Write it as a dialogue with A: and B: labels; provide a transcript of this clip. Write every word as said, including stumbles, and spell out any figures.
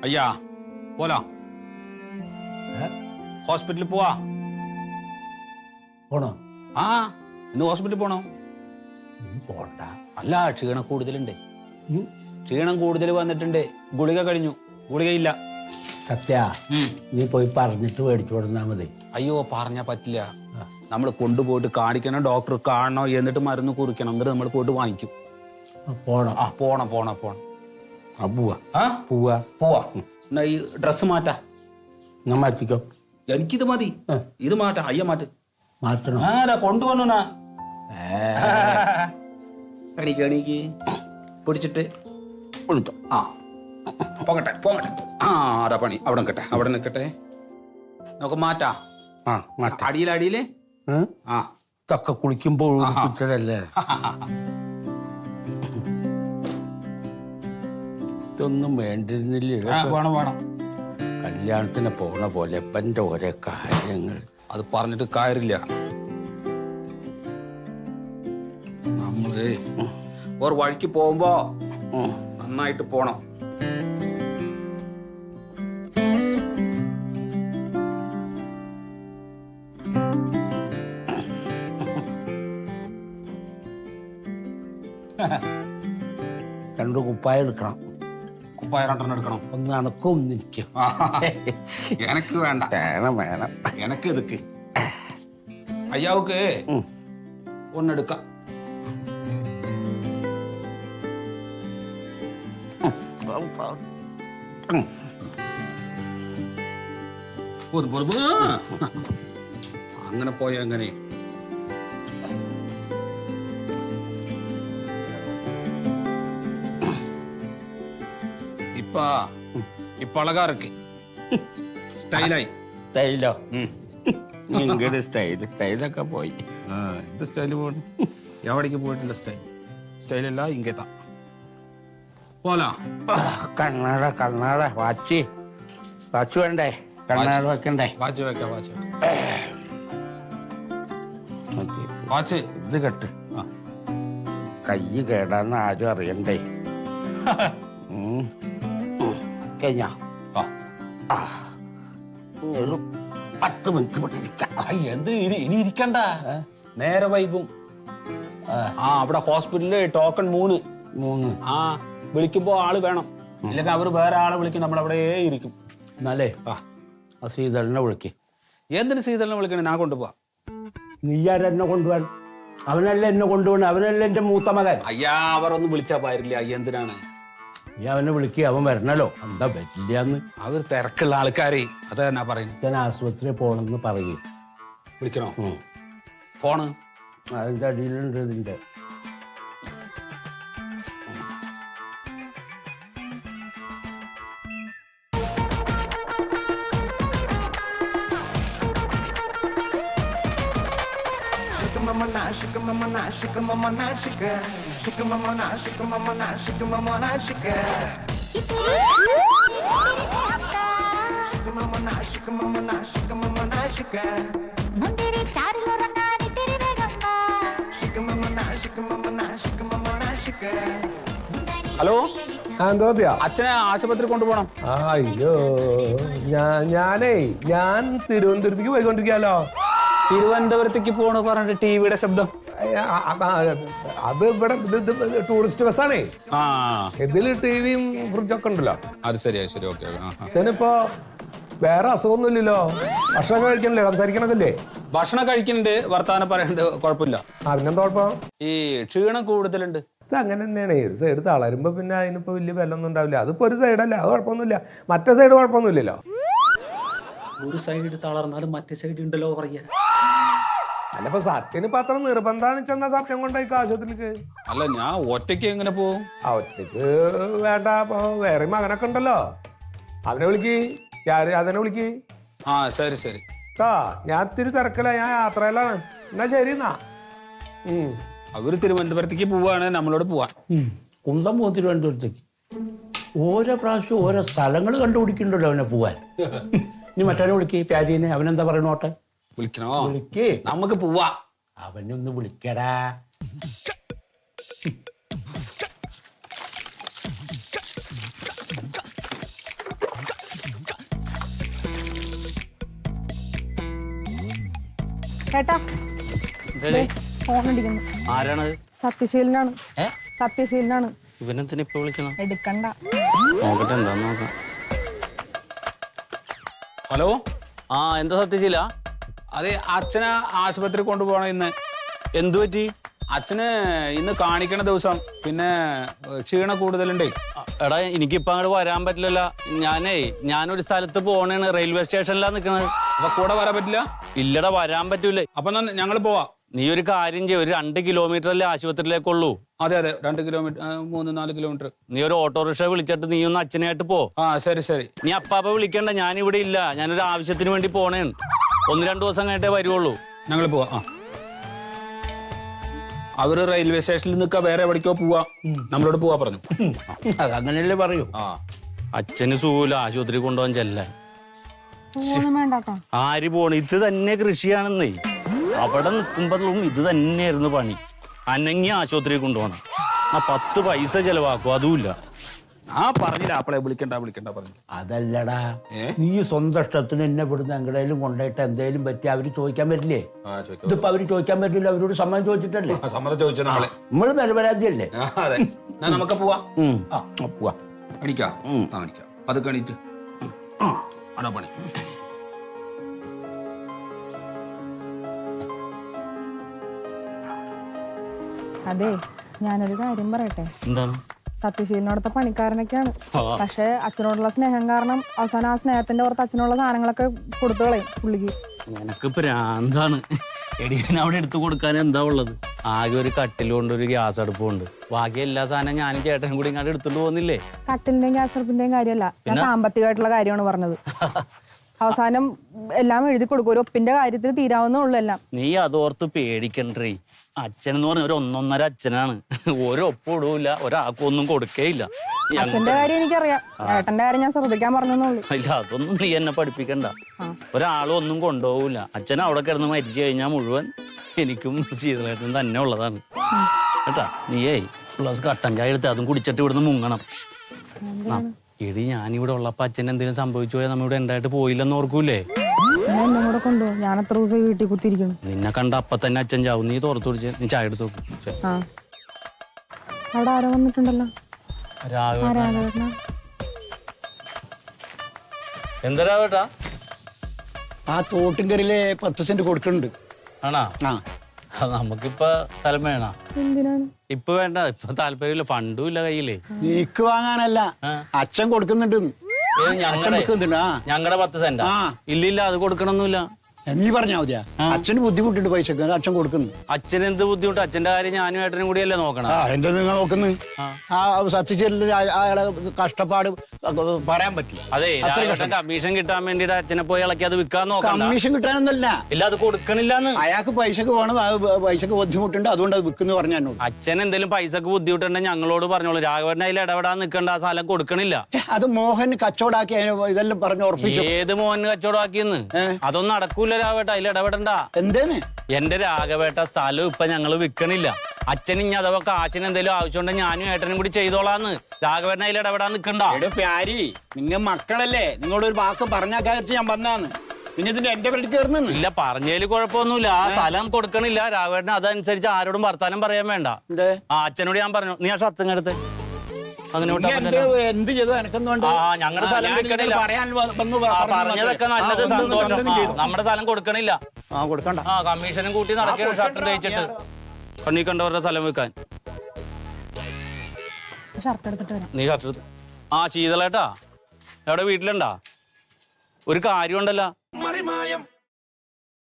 A: അയ്യാ പോലാ ഹോസ്പിറ്റലിൽ പോവാ
B: പോണോ?
A: ആ ഇന്ന് ഹോസ്പിറ്റലിൽ പോണോ?
B: പോണ്ട.
A: അല്ല ക്ഷീണം കൂടുതലുണ്ട്. ക്ഷീണം കൂടുതൽ വന്നിട്ടുണ്ട്. ഗുളിക കഴിഞ്ഞു. ഗുളികയില്ല.
B: സത്യ നീ പോയി പറഞ്ഞിട്ട് മേടിച്ചു കൊടുത്താൽ മതി.
A: അയ്യോ പറഞ്ഞാ പറ്റില്ല. നമ്മൾ കൊണ്ടുപോയിട്ട് കാണിക്കണം, ഡോക്ടർ കാണണോ, എന്നിട്ട് മരുന്ന് കുറിക്കണം, എന്നിട്ട് നമ്മൾ പോയിട്ട് വാങ്ങിക്കും.
B: പോണം.
A: ആ പോണം പോണം പോണം.
B: ആ പോവാ.
A: ആ
B: പോവാ
A: പോവാ. എന്നാ ഈ ഡ്രസ്സ് മാറ്റാ.
B: ഞാൻ മാറ്റിക്കോ.
A: എനിക്കിത് മതി. ഇത് മാറ്റാ. അയ്യ മാറ്റ്.
B: മാറ്റണം.
A: ആരാ കൊണ്ടുവന്നാ? എണീക്ക് എണീക്ക്. പിടിച്ചിട്ട് വിളിച്ചോ. ആ പോകട്ടെ പോകട്ടെ. ആ അതാ പണി. അവിടെ നിൽക്കട്ടെ അവിടെ നിൽക്കട്ടെ. നമുക്ക് മാറ്റാ.
B: ആ മാറ്റ.
A: അടിയിൽ അടിയില് ആ
B: ഇതൊക്കെ കുളിക്കുമ്പോൾ കുളിച്ചതല്ലേ. ഇതൊന്നും വേണ്ടിരുന്നില്ല.
A: വേണം വേണം.
B: കല്യാണത്തിന് പോണ പോലെ എപ്പൻ്റെ ഓരോ കാര്യങ്ങൾ.
A: അത് പറഞ്ഞിട്ട് കാര്യമില്ല. നമ്മള് ഒരു വഴിക്ക് പോകുമ്പോ നന്നായിട്ട് പോണം.
B: രണ്ടു കുപ്പായ എടുക്കണം.
A: കുപ്പായ രണ്ടെണ്ണം എടുക്കണം.
B: ഒന്ന് അണക്കും നിൽക്കും.
A: എനക്ക് വേണ്ട.
B: വേണം വേണം.
A: എനക്ക് ഇതൊക്കെ അയ്യാവുക്ക് ഒന്നെടുക്കാം. അങ്ങനെ പോയ അങ്ങനെ ഇപ്പ ഇപ്പൊ അഴകാ ഇருக்கு. സ്റ്റൈലായി.
B: സ്റ്റൈലോ? ഇങ്ങനെ സ്റ്റൈല് സ്റ്റൈലൊക്കെ പോയി.
A: ആ ഇത് സ്റ്റൈല് പോണ എവിടേക്ക് പോയിട്ടില്ല. സ്റ്റൈൽ സ്റ്റൈലല്ല ഇങ്ങത്താ പോലാ.
B: കണ്ണാട കണ്ണാട വാച്ച് വാച്ച് വേണ്ടേ? കണ്ണാട വെക്കണ്ടേ?
A: വാച്ച് വെക്കാം. വാച്ച് വാച്ച്
B: ഇത് കെട്ട്. കൈ കേടാന്ന് ആരും അറിയണ്ടേ. കഴിഞ്ഞ ഒരു പത്ത് മിനിറ്റ് ഇവിടെ ഇരിക്കാം.
A: എന്ത് ഇനി ഇരിക്കണ്ട, നേരെ വൈകും. ആ അവിടെ ഹോസ്പിറ്റലില് ടോക്കൺ മൂന്ന്
B: മൂന്ന്
A: ആ വിളിക്കുമ്പോ ആള് വേണം. ഇല്ലെങ്കിൽ അവര് വേറെ ആളെ വിളിക്കും. നമ്മളവിടെ ഇരിക്കും.
B: എന്നാലേ ആ ശ്രീധരനെ വിളിക്ക്.
A: എന്തിന് ശ്രീധരനെ വിളിക്കണേ? ഞാൻ കൊണ്ടുപോവാ.
B: നീയാരെന്നെ കൊണ്ടുപോകാൻ? അവനല്ല എന്നെ കൊണ്ടുപോകണം. അവനല്ല എന്റെ മൂത്ത മകൻ.
A: അയ്യാ അവരൊന്നും വിളിച്ചാ പാരില്ല. എന്തിനാണ്?
B: നീ അവനെ വിളിക്കുക. അവൻ വരണല്ലോ. എന്താ പറ്റില്ലാന്ന്.
A: അവർ തിരക്കുള്ള ആൾക്കാരെ അതാ ഞാൻ പറയുന്നത്.
B: ഞാൻ ആശുപത്രിയിൽ പോണെന്ന് പറയും.
A: വിളിക്കണോ? ഫോണ്
B: അതിന്റെ അടിയിലുണ്ട് ഇതിന്റെ.
C: Mama nashika, mama nashika, mama nashika, shika mama nashika, mama nashika, mama nashika. Shika mama nashika, mama nashika, mama nashika. Mundiri charilo rangani tere vegamma. Shika mama nashika, mama nashika, mama nashika.
A: Hello,
D: എന്തോത്തിയാ?
A: അച്ഛനെ ആശുപത്രി കൊണ്ടുപോകണം.
D: അയ്യോ ഞാനേ ഞാൻ തിരുവനന്തപുരത്തേക്ക് പോയിക്കൊണ്ടിരിക്കാലോ.
A: തിരുവനന്തപുരത്തേക്ക് പോണ പറഞ്ഞിട്ട് ടിവിയുടെ ശബ്ദം.
D: അത് ഇവിടെ ടൂറിസ്റ്റ് ബസ്സാണേ.
A: ആ
D: ഇതില് ടിവിയും ഫ്രിഡ്ജൊക്കെ ഉണ്ടല്ലോ.
A: അത് ശരിയാ. ശരി ഓക്കെ.
D: ശനിപ്പോ വേറെ അസുഖമൊന്നുമില്ലല്ലോ. ഭക്ഷണം കഴിക്കണല്ലേ? സംസാരിക്കണല്ലേ?
A: ഭക്ഷണം കഴിക്കുന്നുണ്ട്, വർത്താനം പറയണ്ട്, കുഴപ്പമില്ല.
D: അതിനെന്താ കുഴപ്പം?
A: ഈ ക്ഷീണം കൂടുതലുണ്ട്.
D: ഇത് അങ്ങനെ തന്നെയാണ്. ഒരു സൈഡ് തളരുമ്പോ പിന്നെ അതിനിപ്പോ വലിയ വിലൊന്നും ഉണ്ടാവില്ല. അതിപ്പോ ഒരു സൈഡല്ല, അത് കുഴപ്പമൊന്നുമില്ല. മറ്റേ സൈഡ് കുഴപ്പമൊന്നുമില്ലല്ലോ.
A: ഒരു സൈഡ് തളർന്നാലും മറ്റേ സൈഡ് ഉണ്ടല്ലോ പറയാ.
D: അല്ലപ്പോ സത്യന് ഇപ്പൊ അത്ര നിർബന്ധമാണ് ചെന്ന സത്യം കൊണ്ടായിക്കോ ആശുപത്രിക്ക്.
A: അല്ല ഞാൻ ഒറ്റയ്ക്ക് എങ്ങനെ പോവും?
D: ആ ഒറ്റക്ക് വേണ്ട. അപ്പൊ വേറെ മകനൊക്കെ ഉണ്ടല്ലോ. അവനെ വിളിക്ക്. അതിനെ വിളിക്ക്.
A: ആ ശരി ശരി.
D: ആ ഞാൻ ഇത്തിരി തിരക്കല. ഞാൻ യാത്രയിലാണ്. എന്നാ ശരി എന്നാ.
A: അവര് തിരുവനന്തപുരത്തേക്ക് പോവാണ്, നമ്മളോട് പോവാൻ.
B: കുന്തം പോകും തിരുവനന്തപുരത്തേക്ക്. ഓരോ പ്രാവശ്യം ഓരോ സ്ഥലങ്ങൾ കണ്ടുപിടിക്കണ്ടല്ലോ അവനെ പോവാൻ. ഇനി മറ്റവനെ വിളിക്ക്. പ്യാരീനെ. അവനെന്താ പറയണോട്ടെ?
A: വിളിക്കണോ?
B: വിളിക്ക്.
A: നമുക്ക് പോവാ.
B: അവനൊന്ന് വിളിക്കടാ.
C: ചേട്ടാ ഫോൺ അടിക്കുന്നു.
B: ആരാണത്?
C: സത്യശീലനാണ്.
B: ഏ
C: സത്യശീലനാണ്.
B: ഇവനെന്തിനാ ഇപ്പൊ വിളിക്കണം?
C: എടുക്കണ്ട.
B: നോക്കട്ടെ എന്താ നോക്കാം.
A: ഹലോ,
B: ആ എന്താ സത്യശീല?
A: അതെ, അച്ഛനെ ആശുപത്രി കൊണ്ടുപോകണം ഇന്ന്.
B: എന്തു പറ്റി?
A: അച്ഛന് ഇന്ന് കാണിക്കണ ദിവസം, പിന്നെ ക്ഷീണം കൂടുതലുണ്ടേ.
B: എടാ എനിക്കിപ്പോ അങ്ങോട്ട് വരാൻ പറ്റില്ലല്ലോ. ഞാനേ ഞാനൊരു സ്ഥലത്ത് പോണേണ്, റെയിൽവേ സ്റ്റേഷനിലാ നിക്കണത്.
A: അപ്പൊ കൂടെ വരാൻ പറ്റില്ല?
B: ഇല്ലടാ വരാൻ പറ്റൂലേ.
A: അപ്പൊ ഞങ്ങൾ പോവാ.
B: നീ ഒരു കാര്യം ചെയ്യും, ഒരു രണ്ട് കിലോമീറ്റർ അല്ലേ ആശുപത്രിയിലേക്കുള്ളൂ.
A: അതെ അതെ, രണ്ട് കിലോമീറ്റർ, മൂന്ന് നാല് കിലോമീറ്റർ.
B: നീ ഒരു ഓട്ടോറിക്ഷ വിളിച്ചിട്ട് നീ ഒന്ന് അച്ഛനായിട്ട് പോ.
A: ആ ശരി ശരി.
B: നീ അപ്പാപ്പ വിളിക്കണ്ട, ഞാനിവിടെ ഇല്ല. ഞാനൊരു ആവശ്യത്തിന് വേണ്ടി പോണേണ്. ഒന്ന് രണ്ടു ദിവസം കഴിഞ്ഞിട്ടേ വരുവുള്ളൂ.
A: ഞങ്ങൾ പോവാ. ആ അവര് റെയിൽവേ സ്റ്റേഷനിൽ നിൽക്കാ, വേറെ എവിടേക്കോ പോവാ. നമ്മളോട് പോവാ പറഞ്ഞു.
B: അതങ്ങനെയല്ലേ പറയൂ.
A: ആ
B: അച്ഛന് സൂല ആശുപത്രി കൊണ്ടുപോകാൻ ചെല്ലാൻ.
C: ഒന്നും വേണ്ടാട്ടോ.
B: ആര് പോണ? ഇത് തന്നെ കൃഷിയാണെന്നേ. അവിടെ നിൽക്കുമ്പോഴും ഇത് തന്നെയായിരുന്നു പണി. അനങ്ങി ആശുപത്രി കൊണ്ടുപോകണം. ആ പത്ത് പൈസ ചെലവാക്കും, അതുമില്ല.
A: ആ പറഞ്ഞില്ല, അപ്പളെ വിളിക്കണ്ട വിളിക്കണ്ട പറഞ്ഞു.
B: അതല്ലടാ, നീ സ്വന്തം ഇഷ്ടത്തിന് എന്നെ ഇവിടുന്ന് എങ്ങടേലും കൊണ്ടുപോയിട്ട് എന്തെങ്കിലും പറ്റി അവര് ചോദിക്കാൻ പറ്റില്ലേ? ഇതിപ്പോ അവര് ചോദിക്കാൻ പറ്റില്ല, അവരോട് സമ്മതം ചോദിച്ചിട്ടല്ലേ.
A: സമ്മതം ചോദിച്ചു നമ്മളെ.
B: നമ്മള് നിരപരാധിയല്ലേ?
A: അതെ, നമുക്ക് പോവാ.
B: ആ പോവാ.
A: അടിക്കാ അടിക്കാം. അത് കണിട്ട് അടാ പണി.
C: അതെ, ഞാനൊരു കാര്യം പറയട്ടെ.
B: എന്താണ്?
C: സത്യശീലനോടത്തെ പണിക്കാരനൊക്കെയാണ്. പക്ഷെ അച്ഛനോടുള്ള സ്നേഹം കാരണം അവസാനം ആ സ്നേഹത്തിന്റെ പുറത്ത് അച്ഛനുള്ള സാധനങ്ങളൊക്കെ കൊടുത്തു കളയും പുള്ളിക്ക്.
B: നിനക്ക് പ്രാന്താണ്. എടി ഞാൻ അവിടെ എടുത്തു കൊടുക്കാൻ എന്താ ഉള്ളത്? ആകെ ഒരു കട്ടിലുണ്ട്, ഒരു ഗ്യാസ് അടുപ്പുണ്ട്. ബാക്കി എല്ലാ സാധനം ഞാനും ചേട്ടനും കൂടി ഇങ്ങോട്ട് എടുത്തോണ്ട് പോകുന്നില്ലേ?
C: കട്ടിലിന്റെയും ഗ്യാസ് അടുപ്പിന്റെയും കാര്യമല്ല, ഞാൻ സാമ്പത്തികമായിട്ടുള്ള കാര്യമാണ് പറഞ്ഞത്. അവസാനം എല്ലാം എഴുതി കൊടുക്കും. ഒരു ഒപ്പിന്റെ കാര്യത്തിൽ തീരാവുന്നേ ഉള്ളൂ എല്ലാം.
B: നീ അതോർത്ത് പേടിക്കണ്ടേ. അച്ഛൻ എന്ന് പറഞ്ഞ ഒരു ഒന്നൊന്നര അച്ഛനാണ്. ഒരൊപ്പം ഇടൂല, ഒരാൾക്കൊന്നും കൊടുക്കേയില്ല.
C: അച്ഛന്റെ കാര്യം എനിക്കറിയാം, ഏട്ടന്റെ കാര്യം ഞാൻ ശ്രദ്ധിക്കാൻ പറഞ്ഞെന്നുള്ളൂ.
B: ഇല്ല, അതൊന്നും നീ എന്നെ പഠിപ്പിക്കണ്ട. ഒരാളും ഒന്നും കൊണ്ടുപോകില്ല. അച്ഛൻ അവിടെ കിടന്ന് മരിച്ചു കഴിഞ്ഞാൽ മുഴുവൻ എനിക്കും ശീതളേട്ടനും തന്നെ ഉള്ളതാണ് കേട്ടാ. നീയേ പ്ലസ് കട്ടൻ ചായ എടുത്ത് അതും കുടിച്ചിട്ട് ഇവിടുന്ന് മുങ്ങണം. എടി ഞാനിവിടെ ഉള്ളപ്പോ അച്ഛൻ എന്തെങ്കിലും സംഭവിച്ചു പോയാൽ നമ്മളിവിടെ ഉണ്ടായിട്ട് പോയില്ലെന്ന് ഓർക്കൂലേ?
C: എന്നെ കൂടെ കൊണ്ടുപോകും. ഞാൻ എത്ര ദിവസം വീട്ടിൽ കുത്തിയിരിക്കണം.
B: നിന്നെ കണ്ട അപ്പൊ തന്നെ അച്ഛൻ ചാവും. നീ തോർത്ത് പിടിച്ച് നീ ചായ എടുത്ത് നോക്കും.
C: ആ അവിടെ ആരോ വന്നിട്ടുണ്ടല്ലോ.
B: രാഘവേട്ട. എന്താ രാഘവേട്ടാ?
E: ആ തോട്ടുംകറിയിലെ പത്ത് സെന്റ് കൊടുക്കുന്നുണ്ട്.
B: ആണാ?
E: ആ
B: നമുക്കിപ്പൊ സ്ഥലം വേണ?
C: എന്തിനാണ്?
B: ഇപ്പൊ വേണ്ട, ഇപ്പൊ താല്പര്യമില്ല, ഫണ്ടും ഇല്ല കയ്യിലേ.
E: നീക്ക് വാങ്ങാനല്ല, അച്ഛൻ കൊടുക്കുന്നുണ്ട്. അച്ഛൻ വെക്കുന്നുണ്ട്. ആ
B: ഞങ്ങളുടെ പത്ത് സെന്റാ? ഇല്ലില്ല, അത് കൊടുക്കണമൊന്നുമില്ല.
E: നീ പറഞ്ഞാ മതിയാ. അച്ഛന് ബുദ്ധിമുട്ടുണ്ട് പൈസക്ക്, അച്ഛൻ കൊടുക്കുന്നു.
B: അച്ഛന് എന്ത് ബുദ്ധിമുട്ട്? അച്ഛന്റെ കാര്യം ഞാനും ഏട്ടനും കൂടിയല്ലേ നോക്കണം.
E: ആ എന്താ നിങ്ങൾ നോക്കുന്നു? ആ സത്യശീല അയാളെ കഷ്ടപ്പാട് പറയാൻ പറ്റും.
B: അതെ, കമ്മീഷൻ കിട്ടാൻ വേണ്ടിട്ട് അച്ഛനെ പോയി ഇളക്കി അത് വിൽക്കാൻ നോക്കാം.
E: കമ്മീഷൻ കിട്ടാനൊന്നല്ല,
B: ഇല്ല അത് കൊടുക്കണില്ലാന്ന്.
E: അയാൾക്ക് പൈസക്ക് വേണം, പൈസക്ക് ബുദ്ധിമുട്ടുണ്ട്, അതുകൊണ്ട് അത് വിൽക്കുന്നു പറഞ്ഞു എന്നോട്.
B: അച്ഛൻ എന്തെങ്കിലും പൈസക്ക് ബുദ്ധിമുട്ടുണ്ടെങ്കിൽ ഞങ്ങളോട് പറഞ്ഞോളൂ. രാഘവന്റെ അതിൽ ഇടപെടാൻ നിൽക്കേണ്ട, ആ സ്ഥലം കൊടുക്കണില്ല.
E: അത് മോഹൻ കച്ചവടാക്കി ഇതെല്ലാം പറഞ്ഞു ഉറപ്പിച്ചു.
B: ഏത് മോഹൻ കച്ചവടമാക്കിയെന്ന്? അതൊന്നും നടക്കൂല രാഘവേട്ട, അതിൽ ഇടപെടണ്ട.
E: എന്തേന്ന്?
B: എന്റെ രാഘവേട്ട സ്ഥലം ഇപ്പൊ ഞങ്ങള് വിൽക്കണില്ല. അച്ഛൻ ഇനി അഥവാ കാശിന് എന്തെങ്കിലും ആവശ്യമുണ്ടെങ്കിൽ ഞാനും ഏട്ടനും കൂടി ചെയ്തോളാന്ന്. രാഘവേട്ടൻ അതിൽ ഇടപെടാൻ നിൽക്കണ്ട.
E: പ്യാരി, നിങ്ങൾ മക്കളല്ലേ, നിങ്ങളൊരു വാക്ക് പറഞ്ഞാക്കാച്ച് ഞാൻ വന്നാന്ന്. പിന്നെ ഇതിന്റെ എന്റെ പേരിൽ കയറുന്നു.
B: ഇല്ല, പറഞ്ഞതിൽ കുഴപ്പമൊന്നുമില്ല. ആ സ്ഥലം കൊടുക്കണില്ല രാഘവേട്ടന്. അതനുസരിച്ച് ആരോടും വർത്താനം പറയാൻ വേണ്ട. ആ അച്ഛനോട് ഞാൻ പറഞ്ഞു, നീ ആ ഷർത്തും എടുത്ത്
E: എന്ത് ചെയ്തു എനക്കൊന്നും
B: ഞങ്ങളുടെ സ്ഥലം വിൽക്കണില്ല. പറഞ്ഞതൊക്കെ നല്ലത്, സന്തോഷം. നമ്മുടെ സ്ഥലം കൊടുക്കണില്ല.
E: ആ കൊടുക്കണ്ട.
B: ആ കമ്മീഷനും കൂട്ടി നടക്കണം ഷർട്ട് തേച്ചിട്ട്. കണ്ണീ കണ്ടവരുടെ സ്ഥലം വെക്കാൻ. നീ ഷർട്ട് എടുത്ത്. ആ ശീതളേട്ടാ എവിടെ? വീട്ടിലുണ്ടാ? ഒരു കാര്യം ഉണ്ടല്ലോ,